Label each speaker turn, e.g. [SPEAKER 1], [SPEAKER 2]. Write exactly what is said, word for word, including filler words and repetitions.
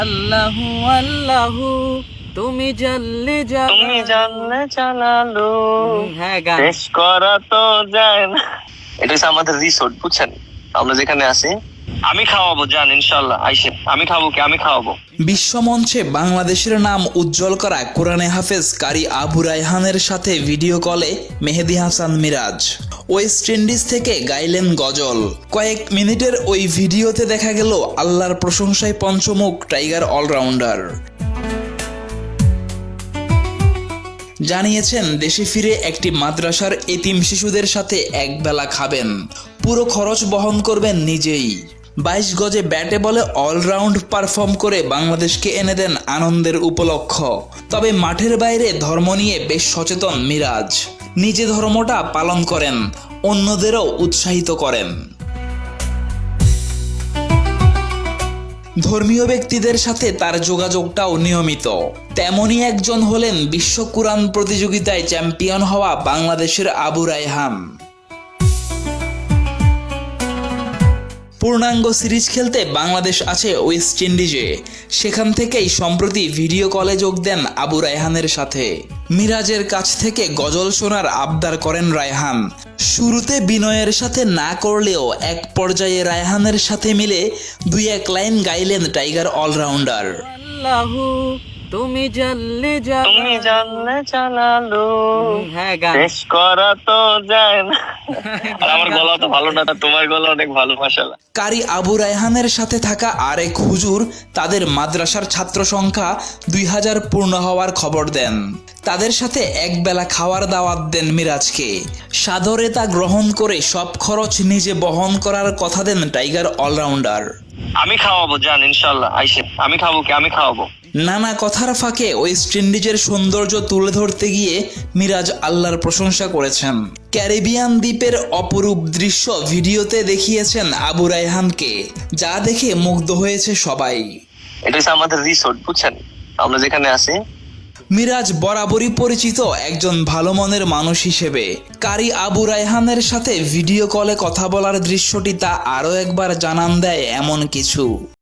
[SPEAKER 1] আল্লাহু আল্লাহু তুমি জানলে
[SPEAKER 2] তুমি জানলে জানালো
[SPEAKER 1] হ্যাঁ গান
[SPEAKER 2] শেষ করা তো যায় না। এটা হচ্ছে আমাদের রিসোর্ট, বুঝছেন? আমরা যেখানে আছি আমি খাওয়াবো, জান ইনশাল্লাহ আইসেন। আমি খাবো কি? আমি খাওয়াবো।
[SPEAKER 3] বিশ্বমঞ্চে বাংলাদেশের নাম উজ্জ্বল করা কোরআনে হাফেজ কারি আবু রায়হানের সাথে ভিডিও কলে মেহেদী হাসান মিরাজ ওয়েস্ট ইন্ডিজ থেকে গাইলেন গজল। কয়েক মিনিটের ওই ভিডিওতে দেখা গেল আল্লাহর প্রশংসায় পঞ্চমুখ টাইগার অলরাউন্ডার। জানিয়েছেন দেশে ফিরে একটি মাদ্রাসার এতিম শিশুদের সাথে একবেলা খাবেন, পুরো খরচ বহন করবেন নিজেই। বাইশ গজে ব্যাটে বলে অলরাউন্ড পারফর্ম করে বাংলাদেশকে এনে দেন আনন্দের উপলক্ষ। তবে মাঠের বাইরে ধর্ম নিয়ে বেশ সচেতন মিরাজ। নিজে ধর্মটা পালন করেন, অন্যদেরও উৎসাহিত করেন। ধর্মীয় ব্যক্তিদের সাথে তার যোগাযোগটাও নিয়মিত। তেমনই একজন হলেন বিশ্ব কুরআন প্রতিযোগিতায় চ্যাম্পিয়ন হওয়া বাংলাদেশের আবু রায়হান। পূর্ণাঙ্গ সিরিজ খেলতে বাংলাদেশ আছে ওয়েস্ট ইন্ডিজে। সেখান থেকেই সম্প্রতি ভিডিও কলে যোগ দেন আবু রায়হানের সাথে। মিরাজের কাছ থেকে গজল শোনার আবদার করেন রায়হান। শুরুতে বিনয়ের সাথে না করলেও এক পর্যায়ে রায়হানের সাথে মিলে দুই এক লাইন গাইলেন টাইগার অলরাউন্ডার।
[SPEAKER 1] আল্লাহু তুমি জানলে
[SPEAKER 2] তুমি জানলে জানালো
[SPEAKER 1] হ্যাঁ গান
[SPEAKER 2] শেষ করা তো যায় না। আর আমার গলা তো ভালো না, তোমার গলা অনেক ভালো মাশাআল্লাহ।
[SPEAKER 3] কারি আবু রায়হানের সাথে থাকা আরেক হুজুর তাদের মাদ্রাসার ছাত্র সংখ্যা দুই হাজার পূর্ণ হওয়ার খবর দেন। তাদের সাথে একবেলা খাওয়ার দাওয়াত দেন মিরাজকে। সাদরে তা গ্রহণ করে সব খরচ নিজে বহন করার কথা দেন টাইগার অলরাউন্ডার।
[SPEAKER 2] আমি খাওয়াবো, জান ইনশাল্লাহ আইসেন। আমি খাবো কি? আমি খাওয়াবো।
[SPEAKER 3] নানা কথার ফাঁকে ওয়েস্ট ইন্ডিজের সৌন্দর্য তুলে ধরতে গিয়ে মিরাজ আল্লাহর প্রশংসা করেছেন। ক্যারিবিয়ান দ্বীপের অপরূপ দৃশ্য ভিডিওতে দেখিয়েছেন আবু রায়হানকে, যা দেখে মুগ্ধ হয়েছে সবাই।
[SPEAKER 2] এটা হচ্ছে আমাদের রিসোর্ট, বুঝছেন? আমরা যেখানে আছি
[SPEAKER 3] মিরাজ বরাবরই পরিচিত একজন ভালো মনের মানুষ হিসেবে। কারি আবু রায়হানের সাথে ভিডিও কলে কথা বলার দৃশ্যটি তা আরও একবার জানান দেয় এমন কিছু।